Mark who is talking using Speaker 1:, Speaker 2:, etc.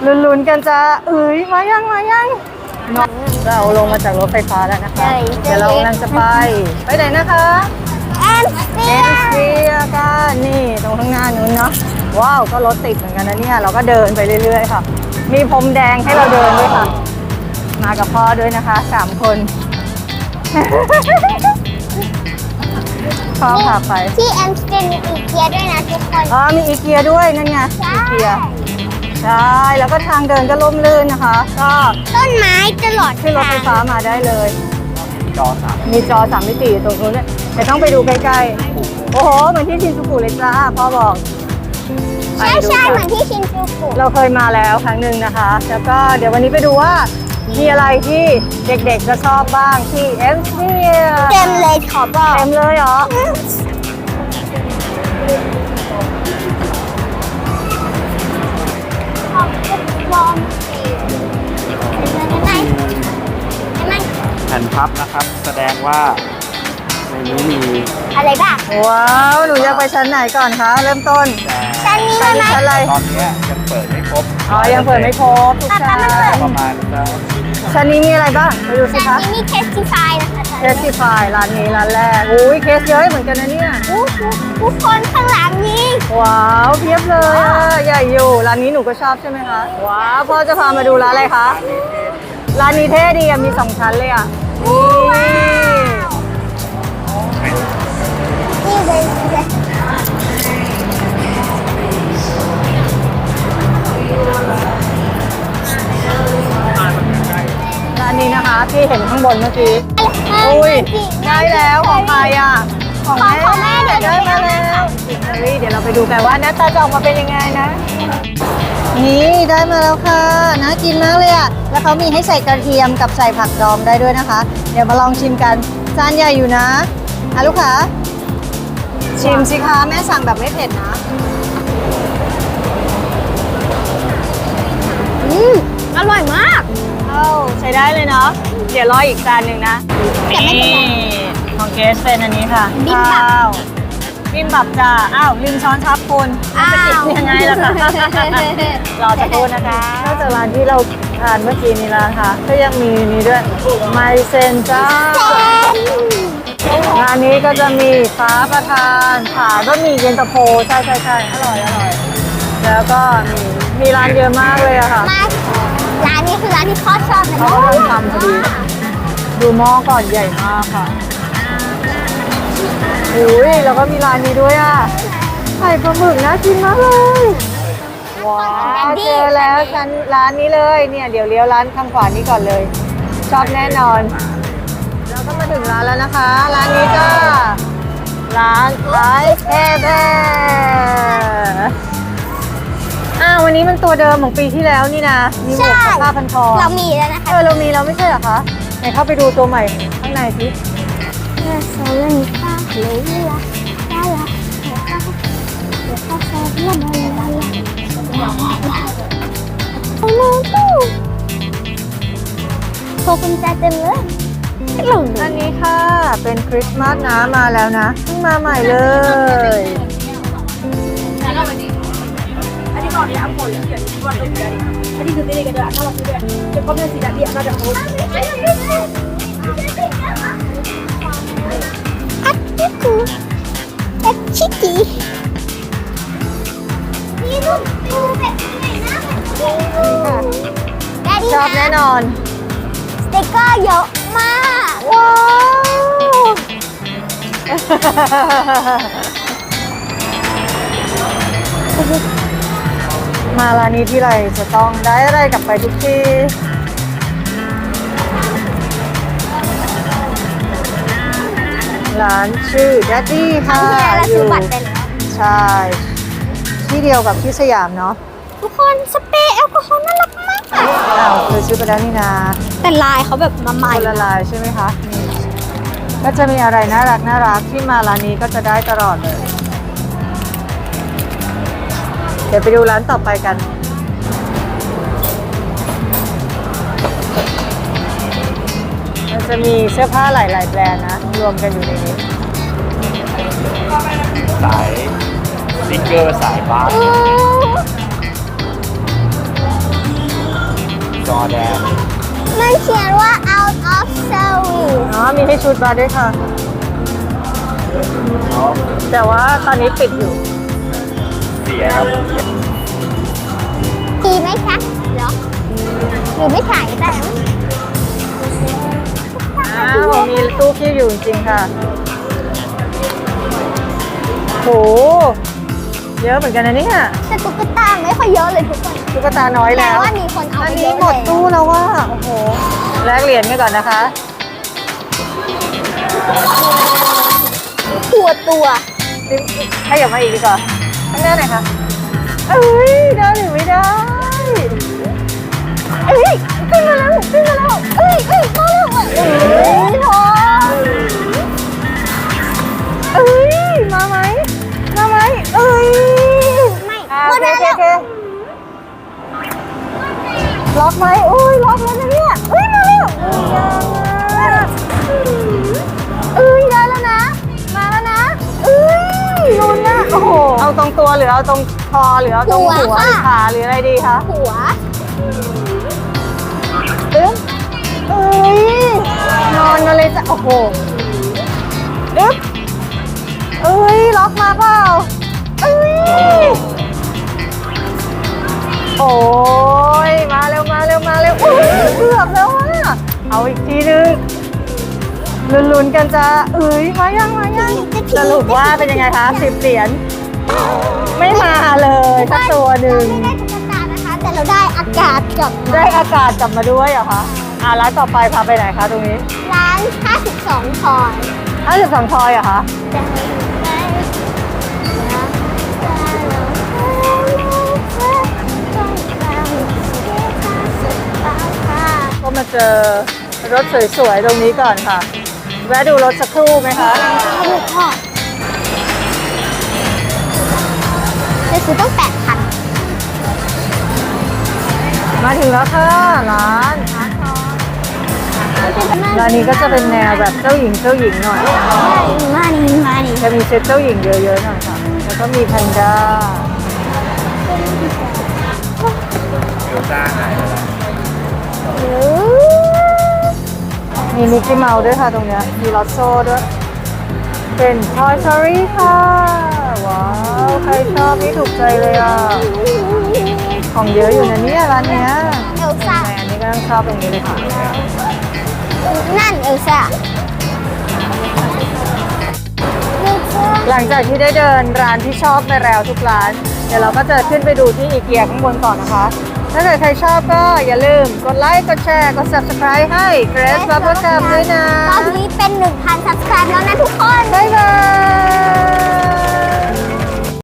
Speaker 1: ลุ้นๆกันจะมายังน้องเราลงมาจากรถไฟฟ้าแล้วนะคะเดี๋ยวเรากำลังจะไปไหนนะคะ
Speaker 2: แอนสเปีย
Speaker 1: กันนี่ตรงข้างหน้านู้นเนาะว้าวก็รถติดเหมือนกันนะเนี่ยเราก็เดินไปเรื่อยๆค่ะมีพรมแดงให้เราเดินด้วยค่ะมากับพ่อด้วยนะคะ3 คนพ่อพาไป
Speaker 2: ที่แอนสเปียมีอีเกียด้วยนะทุกคน
Speaker 1: มีอีเกียด้วยนั่นไงอีเกียใช่แล้วก็ทางเดินก็ร่มรื่นนะคะก็
Speaker 2: ต้นไม้ตลอด
Speaker 1: ขึ้นรถไฟฟ้ามาได้เลยมีจอ3 มิติตรงนู้นแต่ต้องไปดูใกล้ๆโอ้โหเหมือนที่ชินจูกุเลยจ้าพ่อบอก
Speaker 2: ใช่เหมือนที่ชินจูกุ
Speaker 1: เราเคยมาแล้วครั้งหนึ่งนะคะแล้วก็เดี๋ยววันนี้ไปดูว่ามีอะไรที่เด็กๆจะชอบบ้างที่เอ็มสเฟียร์
Speaker 2: เต็มเลยขอบอก
Speaker 1: เต็มเลยเหรอ
Speaker 3: แผ่นพับนะครับแสดงว่าในนี้มี
Speaker 2: อะไรบ้าง
Speaker 1: ว้าวหนูอยากไปชั้นไหนก่อนคะเริ่มต้น
Speaker 2: ชั้นนี้ไหม
Speaker 3: ชั้นอะไรตอนนี้ยังเปิดไม่ครบ
Speaker 1: ยังเปิดไม่ครบทุกชั้น
Speaker 3: ประมาณ
Speaker 1: ชั้นนี้มีอะไรบ้างไปดูสิคะ
Speaker 2: ชั้นนี้มีเคสติฟายนะคะ
Speaker 1: เคสติฟายร้านนี้ร้านแรกเคสเยอะเหมือนกันนะเนี่ย
Speaker 2: ทุกคนข้างหลังนี้
Speaker 1: ว้าวเพียบเลยใหญ่อยู่ร้านนี้หนูก็ชอบใช่ไหมคะว้าวพ่อจะพามาดูร้านอะไรคะร้านนี้เท่ดีมี2 ชั้นเลย
Speaker 2: นี่เลย
Speaker 1: ร้านนี้นะคะที่เห็นข้างบนเมื่อกี้ได้แล้วของใครของแม่ได้มาแล้วเดี๋ยวเราไปดูกันว่าหน้าตาจะออกมาเป็นยังไงนะนี่ได้มาแล้วค่ะน่ากินมากเลยแล้วเขามีให้ใส่กระเทียมกับใส่ผักดองได้ด้วยนะคะเดี๋ยวมาลองชิมกันจานใหญ่อยู่นะลูกค้าชิมสิคะแม่สั่งแบบไม่เผ็ดนะ
Speaker 2: อร่อยมาก
Speaker 1: ใช้ได้เลยเนาะเดี๋ยวรออีกจานหนึ่งนะนี่ของเกสเป็นอันนี้ค่ะข้าวบิมบับจ้าลืมช้อนชับคุณจะติดยังไงล่ะคะรอจะพูดนะคะนอกจากร้านที่เราทานเมื่อกี้นี้แล้วค่ะก็ยังมีนี้ด้วยไมเซนจ้าร้านนี้ก็จะมีฟ้าประทานขาก็มีเย็นตาโฟใช่อร่อยแล้วก็มีร้านเยอะมากเลยค่ะ
Speaker 2: ร้านนี้คือร้านที่พ่อชอบนะ
Speaker 1: เขากำลังทำพอดีดูหม้อก่อนใหญ่มากค่ะแล้วก็มีร้านนี้ด้วยไข่ปลาหมึกน่ากินมากเลยว้าวเจอแล้วร้านนี้เลยเนี่ยเดี๋ยวเลี้ยวร้านข้างขวานี้ก่อนเลยชอบแน่นอนเราก็มาถึงร้านแล้วนะคะร้านนี้ก็ร้านไอซ์แอร์แบร์วันนี้มันตัวเดิมของปีที่แล้วนี่นะมีหมวกกับผ้าพันคอ
Speaker 2: เรามีแล้วนะคะ
Speaker 1: เรามีแล้วไม่ใช่เหรอคะไหนเข้าไปดูตัวใหม่ข้างในสิ
Speaker 2: โซลานิฟ้าเลยละโชว์กุญแจเต็มเลย
Speaker 1: อันนี้ค่ะเป็นคริสต์มาสนะมาแล้วนะเพิ่งมาใหม่เลย
Speaker 2: ชิคกี้นี่ลูกดูแบบไหนนะ
Speaker 1: ชอบแน่นอน
Speaker 2: สติ๊กเกอร์เยอะมาก
Speaker 1: ว้าวมาร้านนี้ที่ไรจะต้องได้อะไรกลับไปทุกทีร้านชื่อ Daddy ค่ะอยู่ใช่ที่เดียวกับที่สยามเนาะ
Speaker 2: ทุกคนสเปรย์แอลกอฮอล์น่ารักมาก
Speaker 1: เคยซื้อไปแล้วนี่นะ
Speaker 2: แต่ลายเขาแบบมาใหม่
Speaker 1: ละลายใช่ไหมคะก็จะมีอะไรน่ารักที่มาร้านนี้ก็จะได้ตลอดเลยเดี๋ยวไปดูร้านต่อไปกันมันจะมีเสื้อผ้าหลายแบรนด์นะรวมกันอยู่ในนี้
Speaker 3: สายสติ๊กเกอร์สายบาสจอแดน
Speaker 2: มันเขียนว่า out of service
Speaker 1: อ๋อ มีให้ชุดมาด้วยค่ะ แต่ว่าตอนนี้ปิดอยู่
Speaker 3: เสียครับ
Speaker 2: ดีไหมคะเหรอหรือไม่ถ่ายแต่
Speaker 1: อ้าว มีตู้คีบอยู่จริงๆค่ะ โห เยอะเหมือนกันนะเนี่ย
Speaker 2: แต่ตุ๊กตาไม่ค่อยเยอะเลยทุกคน
Speaker 1: ตุ๊กตาน้อย
Speaker 2: แต่
Speaker 1: แล้ว
Speaker 2: ว่ามีคนเอา
Speaker 1: อัน
Speaker 2: ไปเย
Speaker 1: นี้
Speaker 2: อะ
Speaker 1: หมด
Speaker 2: เลย
Speaker 1: ตู้แล้วว่า โอ้โห แลกเหรียญไปก่อนนะคะ
Speaker 2: ตัว
Speaker 1: ให้อย่ามาอีกดีกว่าข้างหน้าหน่อยค่ะเอ้ย ได้หรือไม่ได้
Speaker 2: เอ้ยขึ้นมาแล้วขึ้นมาแล้วเอ้ยมาแล้วอ่ะเอ้ยทอง
Speaker 1: เอ้ย มาไหม มาไหม เอ้ย
Speaker 2: ไม่
Speaker 1: อ่า
Speaker 2: หม
Speaker 1: โอ
Speaker 2: ด
Speaker 1: เค
Speaker 2: แล้ว
Speaker 1: โอเคล็อกไหมอุ้ย ล็อกแล้วนะเนี่ยเอ้ย มาแล้วเอ้ยได้แล้วนะ มาแล้วนะเอ้ยลุ้นนะโอ้โห เอาตรงตัวหรือเอาตรงคอหรือเอาตรงหัวหรือขาหรืออะไรดีคะ
Speaker 2: หัว
Speaker 1: ตึ้งเอ้ย นอนกันเลยจ้ะ โอ้โหดึ๊บเอ้ย ล็อกมาเปล่าเอ้ย โอ้ย มาเร็ว มาเร็ว มาเร็วอุ้ยเกือบแล้วอะเอาอีกทีนึงลุ้นๆกันจ้าเอ้ย มายัง มายัง สรุปว่าเป็นยังไงคะ10 เหรียญ ไม่มาเลยสักตัวหนึ่ง
Speaker 2: ไม่ได้ตุ๊กตานะคะ แต่เราได้อากาศกลับมา
Speaker 1: ได้อากาศกลับมาด้วยเหรอคะร้านต่อไปพาไปไหนคะตรงนี้
Speaker 2: ร้าน 52 ทอย
Speaker 1: 52 ทอยเหรอคะ ก็มาเจอรถสวยๆ ตรงนี้ก่อนค่ะ แวะดูรถสักครู่ไหมคะ
Speaker 2: ลูกพ่อจะซื้อต้อง8,000
Speaker 1: มาถึงแล้วค่ะร้านร้านนี้ก็จะเป็นแนวแบบเจ้าหญิงหน่อย
Speaker 2: มานี่
Speaker 1: จะมีเซตเจ้าหญิงเยอะๆหน่อยค่ะ แล้วก็มีแพนด้า
Speaker 3: เดี๋ยวจ้าหายไปแล้ว
Speaker 1: มีมิกกี้เมาส์ด้วยค่ะตรงเนี้ยมีลอตโซ่ด้วย เป็น Toy Story ค่ะ ว้าว ใครชอบนี่ถูกใจเลยอ่ะ ของเยอะอยู่นะเนี่ยร้านเนี้ย
Speaker 2: เอลซ่า
Speaker 1: แม่อันนี้ก็ต้องชอบตรงนี้เลยค่ะ
Speaker 2: นั่นเอลซ่า
Speaker 1: หลังจากที่ได้เดินร้านที่ชอบไปแล้วทุกร้าน เดี๋ยวเราก็จะขึ้นไปดูที่อีเกียข้างบนก่อนนะคะ ถ้าเกิดใครชอบก็อย่าลืมกดไลค์ กดแชร์ กด subscribe ให้ Grace Bubble Gum ด้วยนะ
Speaker 2: ตอนนี้เป็น 1,000 subscribe แล้วนะทุกคน
Speaker 1: บ๊ายบาย